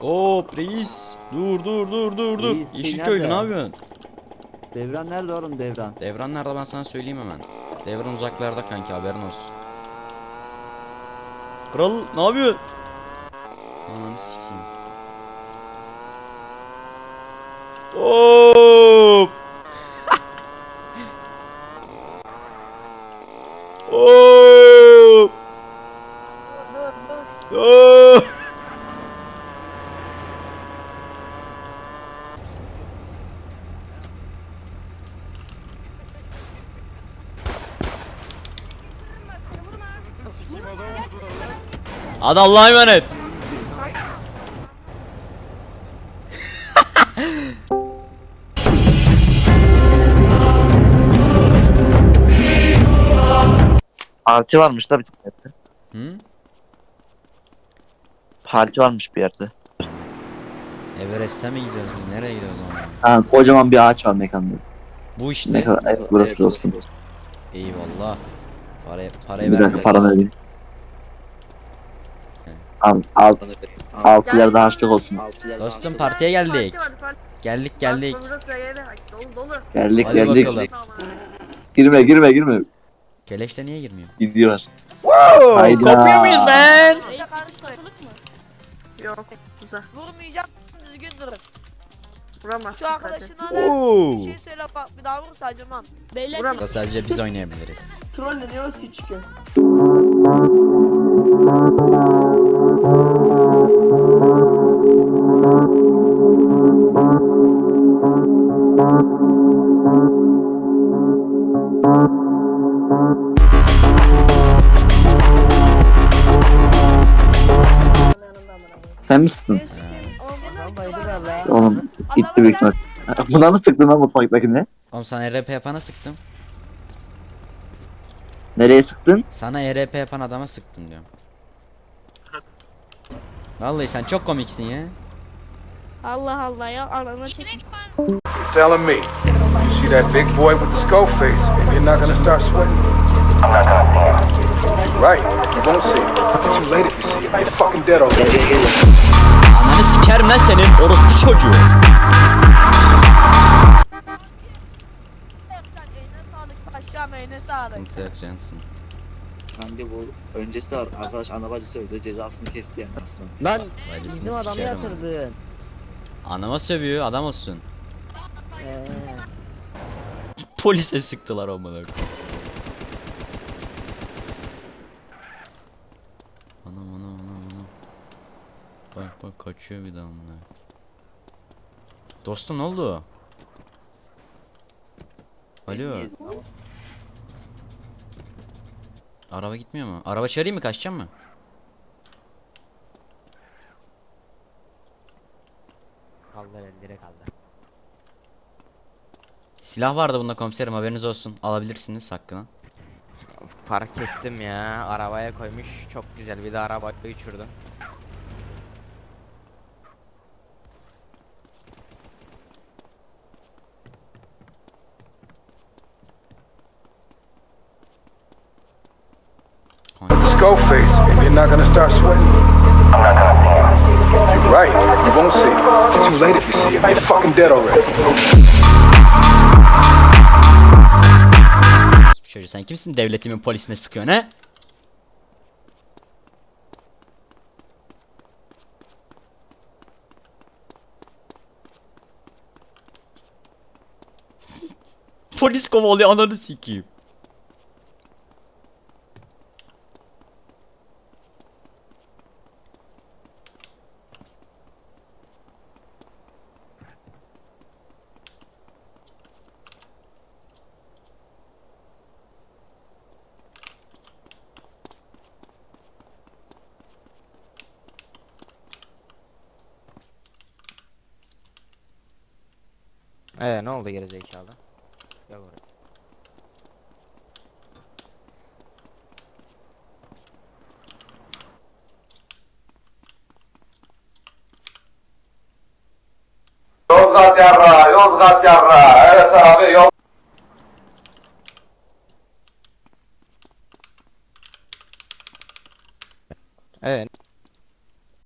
Hop reis. Dur. Reis, Yeşilköylü ne nerede? yapıyorsun? Devran nerede oğlum Devran? Devran nerede ben sana söyleyeyim hemen. Devran uzaklarda kanki haberin olsun. Kral ne yapıyorsun? Ananı sikeyim. Hop. Hop. Hop. Hadi Allah'a emanet. Parti varmış da bir yerde. Hı? Parti varmış bir yerde. Everest'e mi gidiyoruz biz? Nereye gidiyoruz ama? Ha, kocaman bir ağaç var mekanda. Bu işte. Ne kadar evet, burası dostum. Eyvallah. Parayı Bir dakika vermiyoruz. paranı ödeyeyim. Al. Altılarda harçlık olsun. Dostum partiye geldik. Geldik. Burası yeri dolu. Geldik Hadi geldik. bakalım. Girme. Keleşte niye girmiyor? Gidiyorlar. Wow, Hayda. kopuyor muyuz ben? Reis karışıklık mı? Yok, güzel. Vurmayacağım, düzgün durun. Vuramaz. Şu arkadaşına da Oo. bir şey söyle bak, bir daha vurursa acımam. Beyler Vuramaz. Burada sadece biz oynayabiliriz. Trolleniyor, çıkıyor. Sen mi sıktın? Adam Oğlum gitti büyük ihtimal. Buna mı sıktın lan mutfaktakine? Oğlum sana ERP yapana sıktım. Nereye sıktın? Sana ERP yapan adama sıktım diyorum. Vallahi sen çok komiksin ya. Allah Allah ya, ananı çekin. You're telling me you see that big boy with the skull face and you're not gonna start sweating? I'm not gonna see him. You're right, you won't see him. It's too late if you see him. You're fucking dead already. Ananı sikerim lan senin orospu çocuğu. Eline sağlık paşam, eline sağlık. Sıkıntı yok Johnson. Bence bu öncesi de var. Arkadaş ana bacısı öldü. Cezasını kesti yani aslında. Lan Bacısını bizim adamı sikerim onu. yatırdın. Anama sövüyor adam olsun. Polise sıktılar amına koyayım. Anam. Bak kaçıyor bir daha amına. Dostum ne oldu? Alo. Araba gitmiyor mu? Araba çağırayım mı? Kaçacağım mı? Kaldır elleri kaldır. Silah vardı bunda komiserim haberiniz olsun. Alabilirsiniz hakkını. Fark ettim ya. Arabaya koymuş. Çok güzel. Bir de arabayı uçurdu. With the skull face and you're not gonna start sweating? I'm not gonna see him. You're right, you won't see him. It's too late if you see him. You're fucking dead already. Çocuğu sen kimsin devletimin polisine sıkıyorsun he? Polis kovalıyor ananı sikeyim. Ne oldu gerizekalı? Gel buraya. Yozgat yarra. Evet abi yol. Evet.